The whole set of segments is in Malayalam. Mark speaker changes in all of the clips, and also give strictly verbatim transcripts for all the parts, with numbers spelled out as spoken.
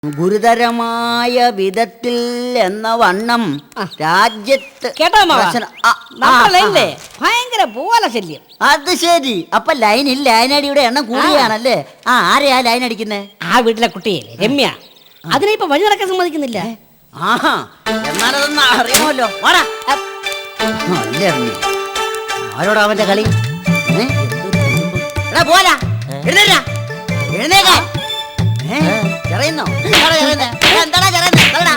Speaker 1: ഗുരുതരമായ വിധത്തിൽ എന്ന വണ്ണം രാജ്യത്ത്
Speaker 2: കേട്ടോ നമ്മളല്ലേ ഭയങ്കര പോലെ ശല്യം.
Speaker 1: അത് ശരി. അപ്പൊ ലൈനിൽ ലൈനടിയുടെ എണ്ണം കൂടിയാണല്ലേ? ആ ആരെയാ ലൈൻ അടിക്കുന്നേ?
Speaker 2: ആ വീട്ടിലെ കുട്ടിയല്ലേ രമ്യ. അതിനെ ഇപ്പൊ വഴി നടക്കാൻ സമ്മതിക്കുന്നില്ല.
Speaker 1: ആഹാ, എന്നാലതൊന്ന് അറിയാമല്ലോ. വാടാ. അല്ലേ അറിഞ്ഞു ആരോടാ അവന്റെ കളി? എടാ പോരാ, എഴുന്നേരാ, എഴുന്നേക്കാ. ചെറിയുന്നോ? എന്താടാ ചെറിയുന്നേ?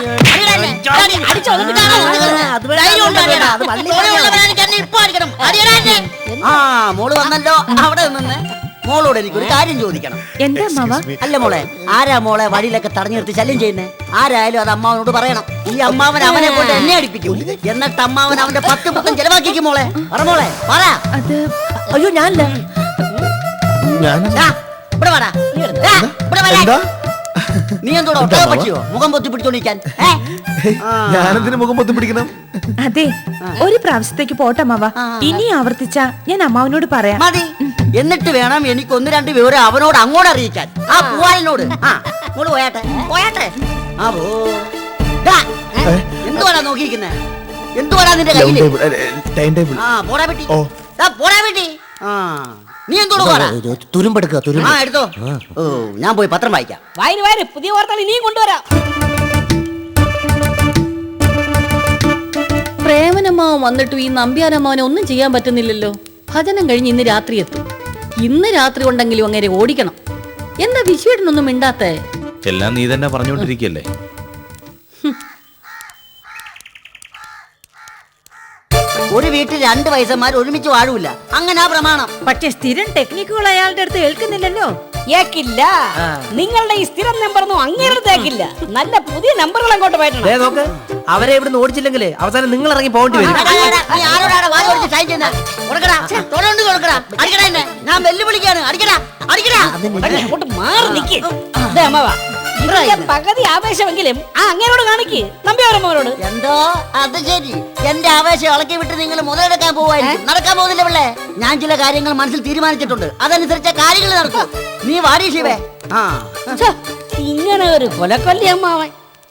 Speaker 1: ആ മോള് വന്നല്ലോ. അവിടെ നിന്ന് മോളോട് എനിക്കൊരു കാര്യം ചോദിക്കണം.
Speaker 3: എന്താ മാവാ?
Speaker 1: അല്ല മോളെ, ആരാ മോളെ വഴിയിലൊക്കെ തടഞ്ഞു നിർത്തി ശല്യം ചെയ്യുന്നേ? ആരായാലും അത് അമ്മാവനോട് പറയണം. ഈ അമ്മാവൻ അവനെ കൊണ്ട് എന്നെ അടിപ്പിക്കും. എന്നിട്ട് അമ്മാവൻ അവന്റെ പത്ത് പുത്തം ചെലവാക്കിക്കും. മോളെ പറ, മോളെ പറ.
Speaker 3: അയ്യോ ഞാനല്ല.
Speaker 1: ഇവിടെ വാടാ. നീ എന്തോടോ പറ്റിയോ മുഖം പൊത്തി പിടിച്ചോണ്ടിരിക്കാൻ?
Speaker 4: ഞാനെന്തിനു മുഖം പൊത്തി പിടിക്കണം?
Speaker 3: അതെ, ഒരു പ്രാവശ്യത്തേക്ക് പോട്ടെ മാവാ. ഇനി ആവർത്തിച്ച ഞാൻ അമ്മാവനോട് പറയാം.
Speaker 1: മതി. എന്നിട്ട് വേണം എനിക്ക് ഒന്ന് രണ്ട് വിവരം അവനോട് അങ്ങോട്ട് അറിയിക്കാൻ. ആ പൂവാലിനോട്. ആ മോള് പോയാട്ടെ, പോയാട്ടെ. ആ പോ. എന്തുവാടാ നോക്കിയിരിക്കുന്നേ? എന്തുവാടാ നിന്റെ കയ്യില്? ആ പോടാ പെട്ടി, പോടാ പെട്ടി. ആ നീ എന്തോട് തുരുമ്പെടുക്ക? തുരുമ്പ്. ആ എടുത്തോ. ഓ ഞാൻ പോയി പത്രം വായിക്കാം.
Speaker 2: വായന വായന പുതിയ വാർത്തകൾ ഇനിയും കൊണ്ടുവരാം.
Speaker 5: പ്രേമനമ്മാവൻ വന്നിട്ടും ഈ നമ്പ്യാരമ്മാവനെ ഒന്നും ചെയ്യാൻ പറ്റുന്നില്ലല്ലോ. ഭജനം കഴിഞ്ഞ് ഇന്ന് രാത്രി എത്തും. ഇന്ന് രാത്രി ഉണ്ടെങ്കിലും അങ്ങനെ ഓടിക്കണം. എന്താ വിശ്വേട്ടനൊന്നും മിണ്ടാത്തേ?
Speaker 6: എല്ലാം നീ തന്നെ പറഞ്ഞോണ്ടിരിക്കല്ലേ.
Speaker 1: ഒരു വീട്ടിൽ രണ്ട് വയസ്സന്മാർ ഒരുമിച്ച് വാഴൂല, അങ്ങനെ ആ പ്രമാണം.
Speaker 3: പക്ഷെ സ്ഥിരം ടെക്നിക്കുകൾ അയാളുടെ അടുത്ത് കേൾക്കുന്നില്ലല്ലോ.
Speaker 2: ഏക്കില്ല, നിങ്ങളുടെ ഈ സ്ഥിരം നമ്പറൊന്നും അങ്ങനെ തേക്കില്ല. നല്ല പുതിയ നമ്പറുകൾ അങ്ങോട്ട് പോയിട്ടുണ്ട്.
Speaker 7: അവരെ ഇവിടുന്ന് ഓടിച്ചില്ലെങ്കിലേ അവസാനം നിങ്ങൾ ഇറങ്ങി പോകേണ്ടി വരും.
Speaker 1: ഞാൻ വെല്ലുവിളിക്കാണ്. അടിക്കടാ, അടിക്കടാ.
Speaker 2: അങ്ങോട്ട് മാറി നിൽക്ക്. പകുതി ആവേശമെങ്കിലും ആ അങ്ങനോട് കാണിക്ക് നമ്പ്യാരമ്മോട്.
Speaker 1: എന്തോ അത് ശരി. എന്റെ ആവേശം ഇളക്കി വിട്ട് നിങ്ങൾ മുതലെടുക്കാൻ പോവായിരിക്കും. നടക്കാൻ പോകുന്നില്ല പിള്ളേ. ഞാൻ ചില കാര്യങ്ങൾ മനസ്സിൽ തീരുമാനിച്ചിട്ടുണ്ട്. അതനുസരിച്ച കാര്യങ്ങൾ നടക്കും. നീ വാടി ശിവേ. ആ
Speaker 2: ഇങ്ങനെ ഒരു കൊലക്കൊല്ലി അമ്മാവൻ.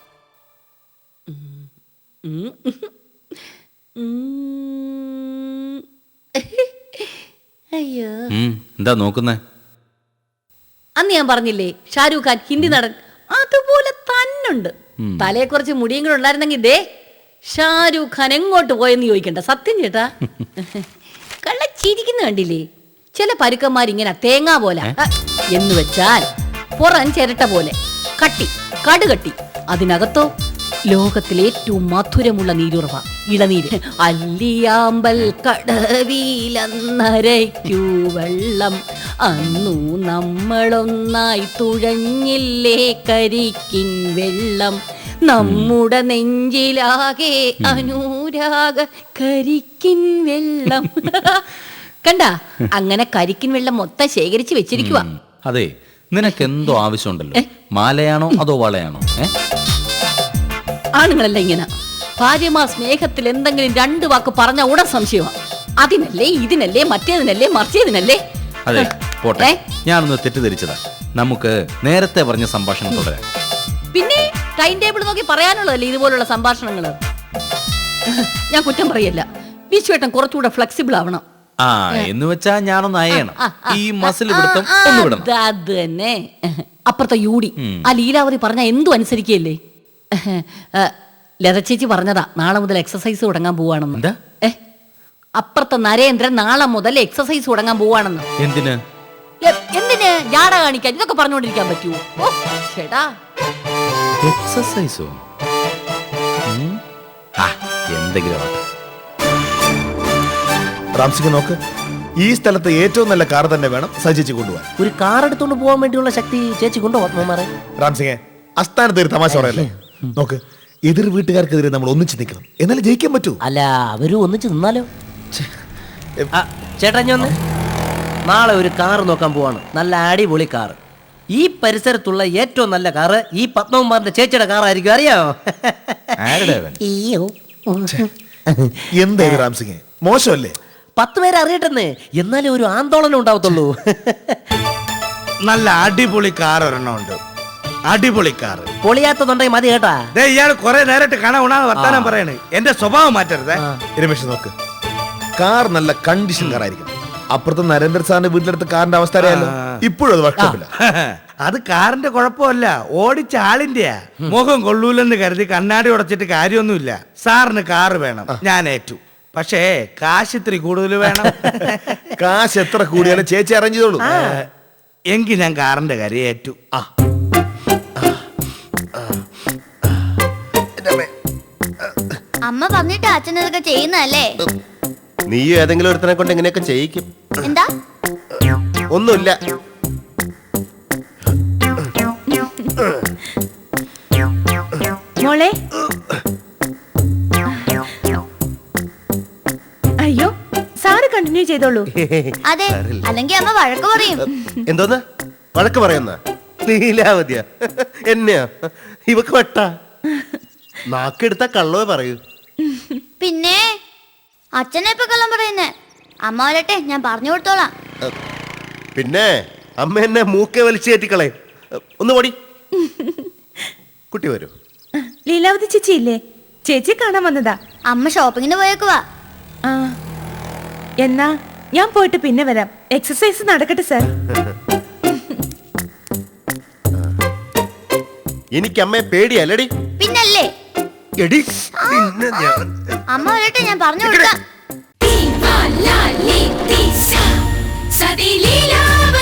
Speaker 5: അയ്യോ,
Speaker 6: എന്താ നോക്കുന്നേ?
Speaker 5: അന്ന് ഞാൻ പറഞ്ഞില്ലേ ഷാരൂഖ് ഖാൻ ഹിന്ദി നടൻ, അതുപോലെ തന്നുണ്ട്. തലയെ കുറച്ച് മുടിയും കൂടെ ഉണ്ടായിരുന്നെങ്കിൽ ദേ ഷാരൂഖ് ഖാൻ എങ്ങോട്ട് പോയെന്ന് ചോദിക്കണ്ട. സത്യം ചേട്ടാ, കള്ളച്ചിരിക്കുന്ന കണ്ടില്ലേ? ചില പരുക്കന്മാരിങ്ങനെ തേങ്ങാ പോലെ എന്ന് വെച്ചാൽ പുറം ചിരട്ട പോലെ കട്ടി കടുകട്ടി, അതിനകത്തോ ലോകത്തിലെ ഏറ്റവും മധുരമുള്ള നീരുറവ ഇളനീര്. അല്ലിയാമ്പൽ കടവിലന്നരയ്ക്കു വെള്ളം, അന്നു നമ്മളൊന്നായി തുഴഞ്ഞില്ലേ കരിക്കിൻ വെള്ളം, നമ്മുടെ നെഞ്ചിലാകെ അനുരാഗ കരിക്കിൻ വെള്ളം. കണ്ട, അങ്ങനെ കരിക്കിൻ വെള്ളം മൊത്തം ശേഖരിച്ച് വെച്ചിരിക്കുക.
Speaker 6: അതെ, നിനക്ക് എന്തോ ആവശ്യമുണ്ടല്ലോ. മാലയാണോ അതോ വളയാണോ?
Speaker 5: ആണുങ്ങളല്ല ഇങ്ങനെ. ഭാര്യമാർ സ്നേഹത്തിൽ എന്തെങ്കിലും രണ്ട് വാക്ക് പറഞ്ഞ ഉടൻ സംശയമാണ്. അതിനല്ലേ ഇതിനല്ലേ മറ്റേതിനല്ലേ മറിച്ചേതിനല്ലേ.
Speaker 6: അതെ പോട്ടെ, ഞാനൊന്ന് തെറ്റിദ്ധരിച്ചതാ. നമുക്ക് നേരത്തെ പറഞ്ഞ സംഭാഷണം തുടരാം.
Speaker 5: പിന്നെ ടൈം ടേബിൾ നോക്കി പറയാനുള്ളതല്ലേ ഇതുപോലുള്ള സംഭാഷണങ്ങള്. ഞാൻ കുറ്റം പറയല്ല, വിശ്വേട്ടൻ കുറച്ചുകൂടെ ഫ്ലെക്സിബിൾ ആവണം.
Speaker 6: ആ എന്ന് വെച്ചാ ഞാനൊന്ന് അയണം. ഈ മസിൽ പിടുത്തം ഒന്ന് വിടണം.
Speaker 5: അത് തന്നെ. അപ്പുറത്തെ യൂടി ആ ലീലാവതി പറഞ്ഞ എന്തു അനുസരിക്കല്ലേ. ലത ചേച്ചി പറഞ്ഞതാ നാളെ മുതൽ എക്സസൈസ് തുടങ്ങാൻ പോവാണെന്ന്.
Speaker 6: എന്താ?
Speaker 5: ഏ അപ്പുറത്തെ നരേന്ദ്രൻ നാളെ മുതൽ എക്സസൈസ് തുടങ്ങാൻ പോവാണെന്ന്.
Speaker 6: എന്തിന്?
Speaker 5: എന്തിന്? ജാട കാണിക്കാൻ ഇതൊക്കെ പറഞ്ഞുകൊണ്ടിരിക്കാൻ പറ്റുമോ? ഓ ചേട്ടാ,
Speaker 6: എക്സസൈസോ? എന്തെങ്കിലും
Speaker 4: റാംസിംഗ് നോക്ക്, ഈ സ്ഥലത്ത് ഏറ്റവും നല്ല കാർ തന്നെ വേണം സജിച്ച് കൊണ്ടുപോകാൻ.
Speaker 7: ഒരു കാർ എടുത്തോണ്ട് പോകാൻ വേണ്ടിയുള്ള ശക്തി ചേച്ചി കൊണ്ടുപോകാൻ.
Speaker 4: റാംസിംഗ്, അസ്ഥാനത്ത് ഒരു തമാശ പറയല്ലേ. നോക്ക്, എതിർ വീട്ടുകാർക്കെതിരെ നമ്മൾ ഒന്നിച്ച് നിൽക്കണം, എന്നാലും ജയിക്കാൻ പറ്റൂ.
Speaker 7: അല്ല, അവരും ഒന്നിച്ച് നിന്നാലോ? ചേട്ടാ ഞാൻ നാളെ ഒരു കാർ നോക്കാൻ പോവാണ്. നല്ല അടിപൊളി കാർ. ഈ പരിസരത്തുള്ള ഏറ്റവും നല്ല കാറ് ഈ പത്മകുമാറിന്റെ ചേച്ചിയുടെ കാറായിരിക്കും. അറിയാമോ?
Speaker 4: എന്താ റാംസിംഗ്, മോശമല്ലേ?
Speaker 7: പത്ത് പേരെ അറിയട്ടെന്ന്, എന്നാലേ ഒരു ആന്തോളനം ഉണ്ടാവത്തുള്ളൂ.
Speaker 4: നല്ല അടിപൊളി കാർ ഒരെണ്ണം ഉണ്ട്.
Speaker 8: അടിപൊളി കാറ്.
Speaker 7: പൊളിയാത്തതുണ്ടെങ്കിൽ മതി കേട്ടാ.
Speaker 8: ദേ ഇയാൾ കുറെ നേരിട്ട് കാണാൻ ഉണാന്ന് വർത്താനം പറയണേ. എന്റെ സ്വഭാവം മാറ്റരുതേ.
Speaker 4: രമേശ് നോക്ക്, കാർ നല്ല കണ്ടീഷൻ കാർ ആയിരിക്കും. അപ്പുറത്ത് നരേന്ദ്ര സാറിന്റെ വീട്ടിലെടുത്ത കാറിന്റെ അവസ്ഥ അറിയാലോ. ഇപ്പോഴും അത് വർക്ക്ഷോപ്പില്ല.
Speaker 8: അത് കാറിന്റെ കുഴപ്പമല്ല, ഓടിച്ച ആളിന്റെയാ. മുഖം കൊള്ളൂലെന്ന് കരുതി കണ്ണാടി ഉടച്ചിട്ട് കാര്യമൊന്നുമില്ല. സാറിന് കാറ് വേണം, ഞാൻ ഏറ്റു. പക്ഷേ കാശ് ഇത്തിരി കൂടുതൽ വേണം.
Speaker 4: കാശ് എത്ര കൂടിയാലും ചേച്ചി അറേഞ്ച് ചെയ്തോളൂ.
Speaker 8: എങ്കിൽ ഞാൻ കാറിന്റെ കാര്യം ഏറ്റു.
Speaker 4: ആ
Speaker 9: അമ്മ പറഞ്ഞിട്ട് അച്ഛൻ ഇതൊക്കെ ചെയ്യുന്നല്ലേ?
Speaker 10: നീ ഏതെങ്കിലും ഒരുത്തനെ കൊണ്ട് എങ്ങനെയൊക്കെ ചെയ്യിക്കും.
Speaker 9: എന്താ?
Speaker 10: ഒന്നുമില്ല.
Speaker 3: മോളെ, അയ്യോ സാറ് കണ്ടിന്യൂ ചെയ്തോളൂ.
Speaker 9: അതെ, അല്ലെങ്കിൽ അമ്മ വഴക്ക് പറയും.
Speaker 10: എന്തോന്ന് വഴക്ക് പറയുന്ന ലീലാവതിയാ എന്നെയാ? ഇവക്ക് വട്ട നാക്കെടുത്ത കള്ളവേ പറയൂ.
Speaker 9: പിന്നെ അച്ഛനെ ഇപ്പൊ കള്ളം പറയുന്നേ. അമ്മ വരട്ടെ, ഞാൻ പറഞ്ഞു കൊടുത്തോളാം.
Speaker 10: പിന്നെ അമ്മ എന്നെ മൂക്കെ വലിച്ചു കയറ്റിക്കളെ. ഒന്ന് ഓടി കുട്ടി വരൂ.
Speaker 3: ലീലാവതി ചേച്ചി ഇല്ലേ? ചേച്ചി കാണാൻ വന്നതാ.
Speaker 9: അമ്മ ഷോപ്പിങ്ങിന് പോയേക്കുവാ.
Speaker 3: ആ എന്നാ ഞാൻ പോയിട്ട് പിന്നെ വരാം. എക്സസൈസ് നടക്കട്ടെ സാർ.
Speaker 10: എനിക്ക് അമ്മയെ പേടിയല്ലടി.
Speaker 9: പിന്നല്ലേ.
Speaker 10: എടി പിന്നെ ഞാൻ
Speaker 9: അമ്മ വരട്ടെ, ഞാൻ പറഞ്ഞു കൊടുക്കാം.